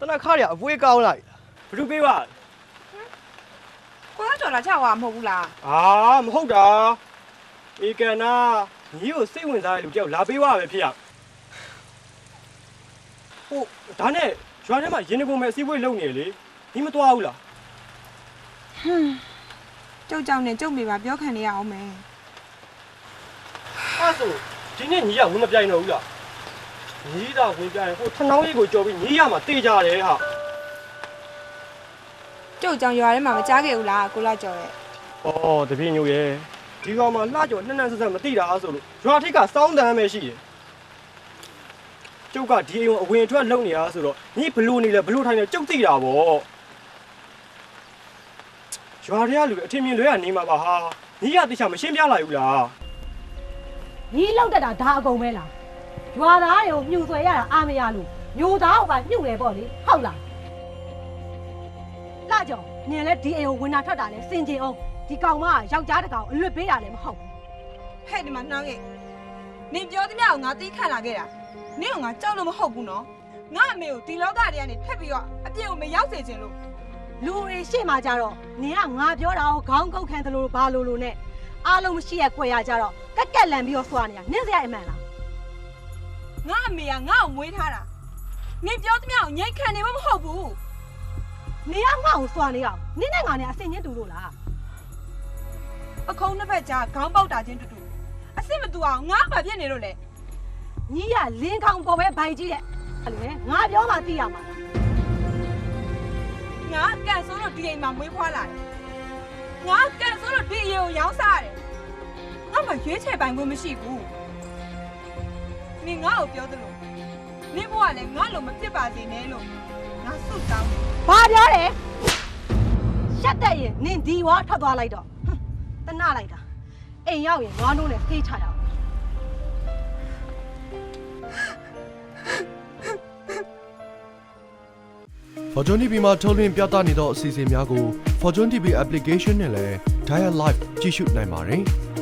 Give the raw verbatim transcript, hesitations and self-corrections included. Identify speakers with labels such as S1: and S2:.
S1: တနခါရအပွေးကောင်းလိုက်ဘယ်သူပေးပါ
S2: ကိုကကြော်လာချောက်သွားမဟုတ်ဘူးလား
S1: အာမဟုတ်တာဧကန်နာညီကိုစိတ်ဝင်စားတဲ့လူတယောက်လာပေးပါပဲဖြစ်ရဟုတ်ဒါနဲ့ရွာထဲမှာရင်းနှီးပုံမဲ့အစည်းအဝေးလုပ်နေလေညီမသွားဘူးလား
S2: ဟွန်းကျုပ်ကြောင့်နဲ့ကျုပ်မိပါပြောခံနေရအောင်မယ်
S1: အဲ့ဆိုဒီနေ့ညီကဝင်မပြိုင်တော့ဘူးလားညီးတာဝင်ပြိုင်ဟိုထနောင်းကြီးကိုကြော်ပြီးညီးရမှာတေးကြတယ်ဟာ
S2: ကျုပ်ကြောင့်ရွာထဲမှာမကြားခဲ့ဘူးလားကိုလာကြော်ရဲ့
S1: ဩတပြင်းညို့ရဲ့ဒီကောင်မှလှကြော်နှက်နှက်ဆက်ဆက်မသိတာဆိုလို့ရွာထိပ်ကစောင်းတန်းပဲရှိတယ်ကျုပ်ကဒီအိမ်ကိုအဝင်အထွက်လုပ်နေရဆိုတော့ညီဘလို့နေလဲဘလို့ထိုင်လဲကျုပ်သိတာပေါ့ရွာထဲကလူအထင်မြင်လွဲရနေမှာပါဟာညီကတိချာမရှင်းပြလိုက်ဘူးလား
S3: ညီလောက်တက်တာဒါအကုန်ပဲလားရွာသားတွေကိုမြှူဆွဲရတာအာမရလို့မျိုးသားကိုပါမြှူတယ်ပေါ့လေဟုတ်လားလာကြော်နင်လည်းဒီအိမ်ကိုဝင်တာထွက်တာလဲစင်ကြင်အောင်ဒီကောင်မကယောက်ျားတကောင်အလွတ်ပေးတာလည်းမဟုတ်ဘူး
S2: ဟဲ့ဒီမှာနှောင်းရဲ့နင်ပြောသမျှကိုငါသိခံလာခဲ့တာနင်ကငါကြောက်လို့မဟုတ်ဘူးနော်ငါအမေကိုဒီလောကထဲကနေထက်ပြီးတော့အပြည့်ကိုမရောက်စေချင်လို့
S3: လူတွေရှေ့မှာကြတော့နင်ကငါပြောတာကိုခေါင်းကုတ်ခံသလိုဘာလို့လို့နဲ့အားလုံးမရှိရခွဲရကြတော့ကက်ကက်လန်ပြီးတော့စွာနေတာနင်စရာအမှန်လား
S2: ငါအမေကငါ့ကိုမွေးထားတာနင်ပြောသမျှကိုငိတ်ခံနေမှမဟုတ်ဘူး
S3: နင်ကငါ့ကိုစွာနေအောင်နင်နဲ့ငါနဲ့အစင်ချင်းတူလို့လား
S2: ပခုံးနှစ်ဖက်ကြားခေါင်းပေါက်တာချင်းတူတူအစ်စ်မတူအောင်ငါ့ဘာဖြစ်နေလို့လဲ
S3: ညီကလင်းကောင်ပေါ်ပဲဘိုင်ကြီးတဲ့အဲ့လိုလေငါပြောမှသိရမှာ
S2: ငါကန်ဆိုးလို့ဒီအိမ်မှာမွေးဖွားလာတယ်ငါကန်ဆိုးလို့ဒီအိမ်ကိုရောင်းစားတယ်ငါမှရွေးချယ်ပိုင်ခွင့်မရှိဘူးနင်ငါ့ကိုပြောသလိုနင်ဘဝလည်းငါ့လိုမဖြစ်ပါစေနဲ့လို့ငါဆုတောင်းတယ်
S3: ဘာပြောလဲရှက်တဲ့ရင်နင်ဒီဝါထွက်သွားလိုက်တော့တနလိုက်တာအိမ်ရောက်ရင်နွားနိုးနဲ့ဖေးချရအောင်
S4: Fortune တီ ဗီ မှာထုတ်လွှင့်ပြသနေသောအစီအစဉ်များကို Fortune တီ ဗီ application နဲ့လည်း Dial Live ကြည့်ရှုနိုင်ပါတယ်။